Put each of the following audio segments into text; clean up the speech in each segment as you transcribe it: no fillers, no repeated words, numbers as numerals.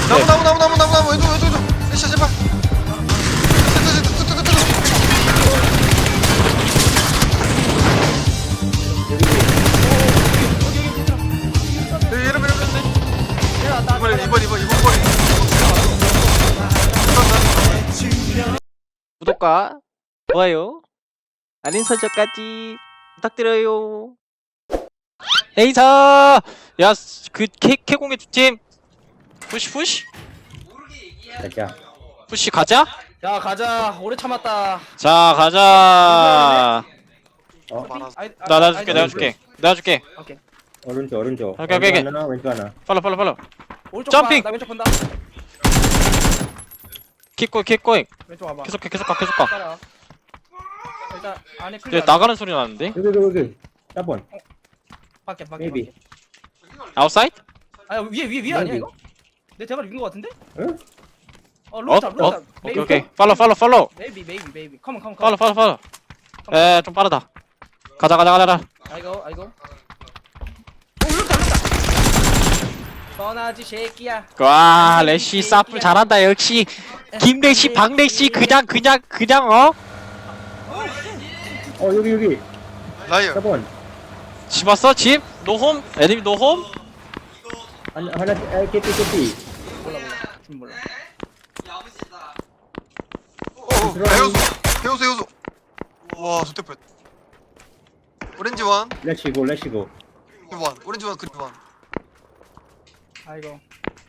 나무 왼쪽 에이씨 제발 이러면 이번 거리 구독과 좋아요, 알림 설정까지 부탁드려요. 에이사, 야, 그 캐공의 두 팀, 푸시, 가자. 푸시 가자. 야 가자 오래 참았다. 자, 가자. 내가 줄게. 오케이. 오른쪽. 오케이. 왼쪽 하나, 왼쪽 하나. 팔로. 오른쪽 점핑! 봐, 나 왼쪽 본다. 킥고잉. 왼쪽 와봐. 계속 가. 따라. 일단 안에 클리어. 이제 나가는 소리 나는데? 여기. 4번. 밖에. Maybe. 아웃사이드? 아야 위에 아니야 이거? 내 대가리 위인 거 같은데? 응? 루탑. 오케이. 팔로. 베이비. 컴온. 팔로. 좀 빠르다. 가자. 아이고. 루탑. 뻔하지 새끼야. 와, 레시 사플 잘한다. 역시 김레시, 박레시 그냥 여기. 라이어 4번. 집 왔어? 집? 노홈? 애니미 노홈? 하나, 깨띠. 몰라. 해우소 와 좋대 뻔 오렌지 원 렛츠고. 오렌지 원 그리드 원 아이고.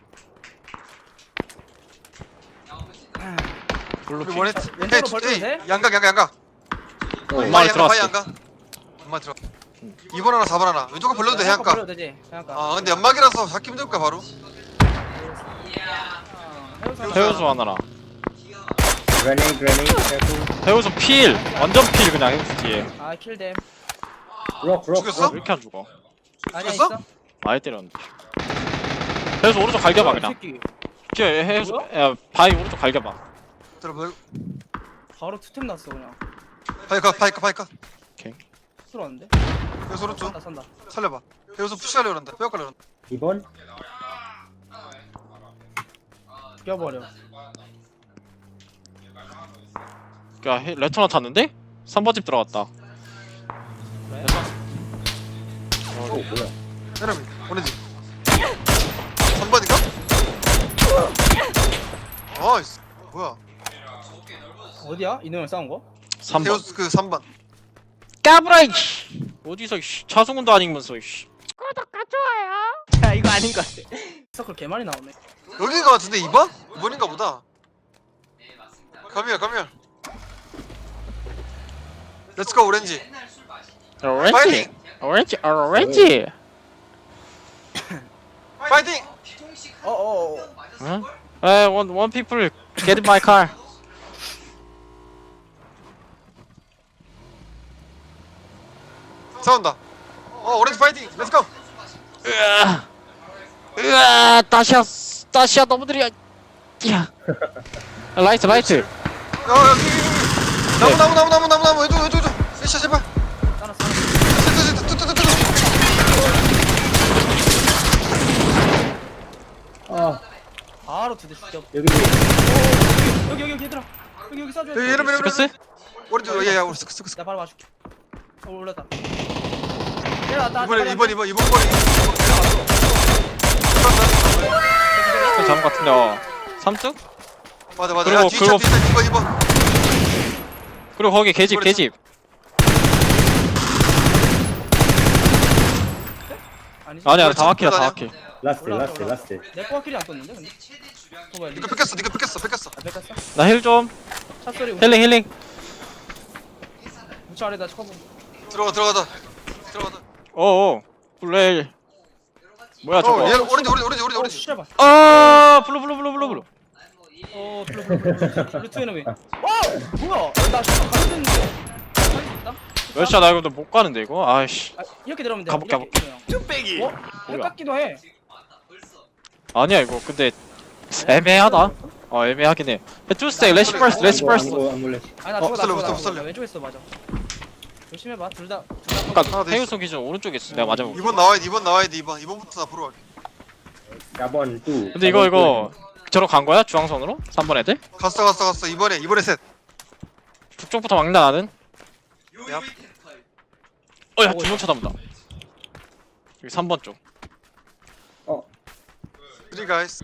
블루 우리 원했 왼쪽으로 벌려도 돼? 양각 엄마를 들어갔어. 양각 엄마 들어 2번 하나 4번 하나 왼쪽 거 벌려도 돼 벌려도 해안가 되지. 해안가. 아 근데 연막이라서 잡기 힘들까 바로 해우소 하나라. 그레네이드. 해우소 필! 완전 필 그냥 해우소 뒤에. 아 킬댐. 록. 죽였어? 왜 이렇게 안 죽어? 아니야 죽였어? 있어. 많이 때렸는데. 해우소 오른쪽 갈겨봐 그냥. 새끼. 뒤에 해우소, 야 바위 오른쪽 갈겨봐. 들어봐 바로 투템 났어 그냥. 파이카 들어왔는데? 해우소 오른쪽 산다. 살려봐 해우소 푸시하려고 한다 빼앗가려고 한다 2번. 껴버려. 야 레터나 탔는데? 3번 집 들어갔다. 왜? 뭐야? 해남이 오렌지 3번인가? 아이씨 뭐야 어디야? 이놈을 싸운 거? 3번. 해우소 그 3번 까불아 이씨. 어디서 이씨. 차승훈도 아니면서 이씨. 야 이거 아닌 것 같아. 서클 개 많이 나오네. 여긴 거 같은데 2번? 2번인가 보다 가미야 렛츠고 오렌지 오렌지. 파이팅! 어어. 응? one people get in my car. 싸운다 오렌지 파이팅! 렛츠고! 으아, 다시야 너무 느려. 야. 라이트. 여기 나무 왼쪽 에이씨 제발 따라. 바로 두대 죽여. 여기 얘들아. 여기 쏴줘. 이러면 스크스? 오렌지 야야 우리 스크스 나 바로 봐줄게. 올랐다. 내려왔다. 이번 거리 그 잡은 것 같은데. 3등? 맞아 그리고 야 뒤차 뒤차 2번 그리고 거기 계집. 아니지. 아니야 다 막히다. 라스트. 내 꼬아킬이 안 떴는데 근데. 뭐야? 니가 뺏겼어 아, 뺏겼어? 나 힐 좀. 차 소리. 힐링. 우측 아래다 쳐보. 들어가자 어어. 블레일. 뭐야 저거? 얘 오렌지 씨발. 블루. 블루 투에너미. 와! 뭐야? 나 진짜 가는데. 살수 있다? 몇시야 나 이거 못 가는데 이거. 아이씨. 아, 이렇게 들어오면 돼. 가볼게. 쭈빼기. 어? 헷갈기도 해. 아니야 이거 근데 애매하다. 애매하긴 해. 투스테이 레시 퍼스트. 안 몰래. 아니 나 못 죽어. 살려. 왼쪽에 있어 맞아. 조심해봐. 둘 다. 아까 하나 더 해우소 기준 오른쪽에 있어. 내가 맞아볼게. 2번 나와야 돼 2번부터 앞으로 갈게 4번 2. 근데 이거 저로 간 거야? 중앙선으로? 3번 애들? 갔어 이번에 셋. 북쪽부터 막나 나는? 야. 어야 두 명 쳐다본다. 여기 3번 쪽. Three guys.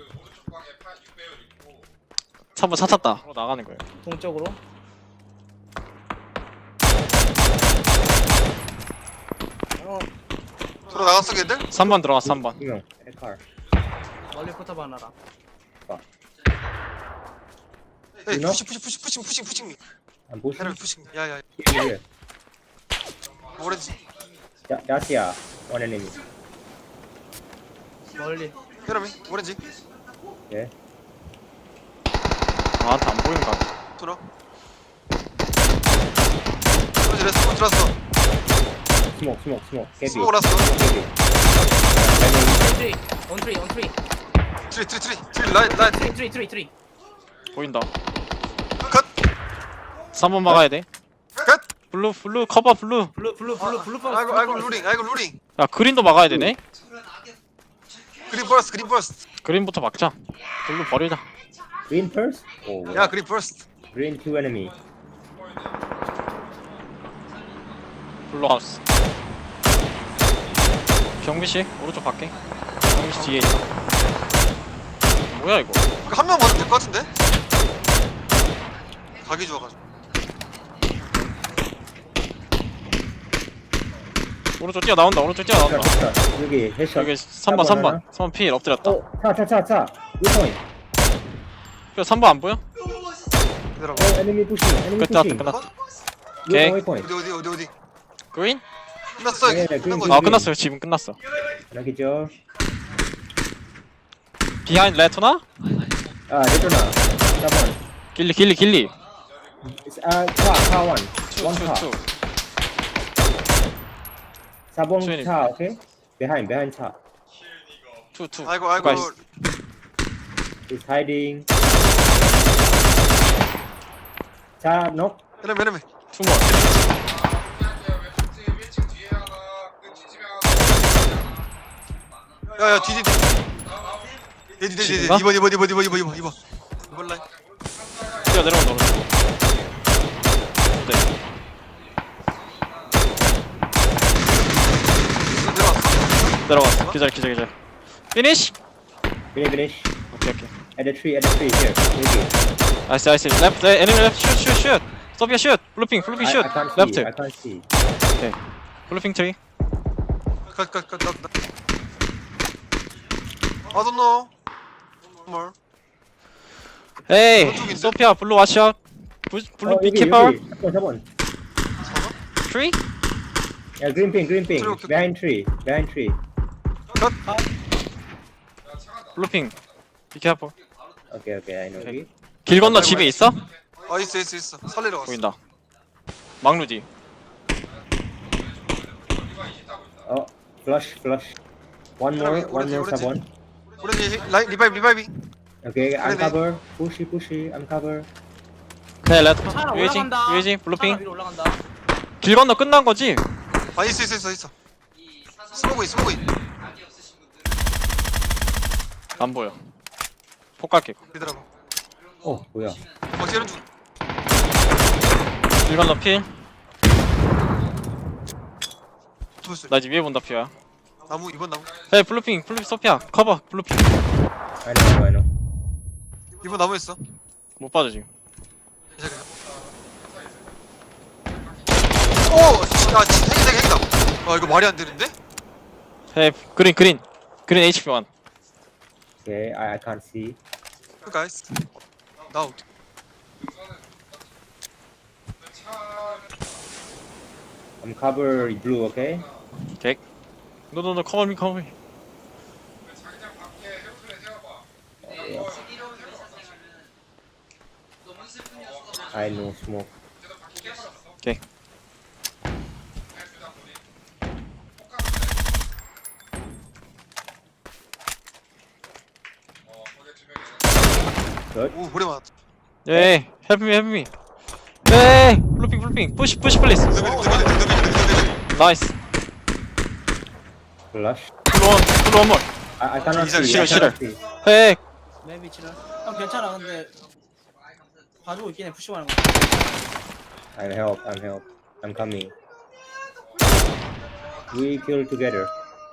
3번 차 탔다. 나가는 거예요. 동쪽으로. 들어 나갔어 걔들? 3번 들어갔어 3번. 2명 car 멀리 포탑 하나라. 에이 You know? 푸싱. I'm pushing 헤럴 푸싱. 야야. here 오렌지. Dacia one enemy 멀리. 헤럴미 오렌지. okay 나한테 안 보이는 거 같아. 들어. 오렌지 레스폰 들어왔어. smoke heavy 스모그 났어. heavy On three. 트리 라인. Three. 보인다. 컷. 3번 막아야 돼. 컷. 블루 커버 블루. 블루 퍼스. 아이고 루링. 야 그린도 막아야 되네. 그린 버스트. 그린부터 막자. 블루 버리자. green first oh 야 그린 버스트. green two enemy 블루 하우스. 경비씨 오른쪽 밖에. 경비씨 뒤에 있다. 뭐야 이거? 한 명 맞으면 될 것 같은데? 각이 좋아가지고. 오른쪽 뛰어나온다. 여기 headshot 여기 3번 필 엎드렸다. 차 위point 3번 안 보여? 기다려봐. enemy pushing 끝났다. 오케이. waypoint 어디. 그린? 끝났어. 네, 끝난 그린, 거지. 아 끝났어요. 지금 끝났어. 여기죠 비하인드 레토나? 레토나 4번 길리. 차 one one car 투. 4번 수현이. 차 okay behind 차 투. 아이고. 가이스. is hiding 차 knock 헤럴미. 투몰. 야야 뒤. 뒤. 지금가? 2번 라인. 뛰어 내려온다 오른쪽. 네. 내려갔어. 기절. 피니시. finish 오케이. at the tree here 여기 나이스. 레프트. 에니미 레프트. 슛. 소피아 슛. 블루핑 I can't see 레프트. I can't see 블루핑 트리. 컷. I don't know. more. 에이. 오른쪽인데? 소피아 블루 와시아. 블루 비 여기 키퍼. 4번 트리? yeah green ping 오케이. behind tree 블루핑. 비 키퍼. okay I know 오케이. 길 건너 집에 있어? 아 있어. 살리러 갔어. 보인다. 막루디. flush one more 오렌지. 4번 오렌지 라인 리바이브. okay I'm 그래, cover push I'm cover 네 레트. 차라 유해지. 올라간다. 블루핑. 차라 위로 올라간다. 길 건너 끝난 거지? 아 있어. 스모그 있. 안 보여. 폭 갈게. 기다려봐. 뭐야 박지현은 중. 길 건너 필. 붙었어. 나 지금 위에 본다 피야. 나무 2번 나무. 에이 블루핑 소피아 커버 블루핑. I know 2번 나무 있어. 못 봐줘 지금. 괜찮아. 오! 진짜 핵이다. 아 이거 말이 안 되는데? 에이 그린 HP 1. okay I can't see 가이스. 나 어떻게? I'm cover blue okay 오케이. No cover me. I know smoke 오케이. good 오 오래 맞았다. 에이 help me. 에이 블루핑 push please. 나이스. flush 블루 원 more. I cannot Easy, see I 싫어. cannot see 에이 맨 위치는. 형 괜찮아. 근데 봐주고 있긴 해. 푸시하는 거. I'm help. I'm help. I'm coming. We kill together.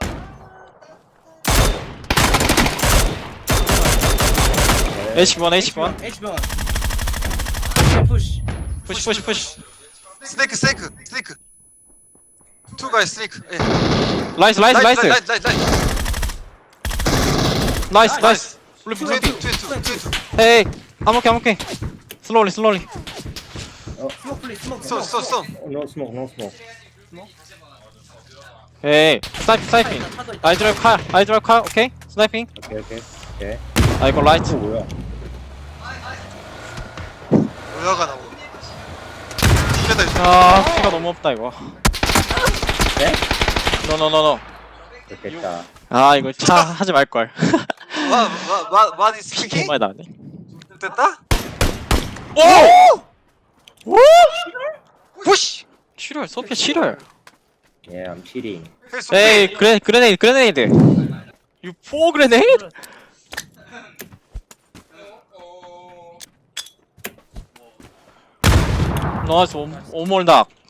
H1 H1 H1. 푸시. 푸시 스네이크 투 가이 스네이크 예 나이스 라이트 나이스 플리프 투 헤이 I'm okay slowly 스모크 플리 스모크. 쏘 Oh, no smoke. No smoke. 헤이 스나이핑 I drive car okay 스나이핑 Okay. I go right 뭐야? 뭐야가 나오고 이겨다 아 피가 너무 없다 이거 네? 노노노노 좋겠다. 아 이거 차 하지 말걸 마디 스피킹? 많이 나왔네 됐다? 오! 푸시 7월 소피아 7월 Yeah, I'm cheating. 에이 그레네이드 You four grenade? 나이스 오몰 닭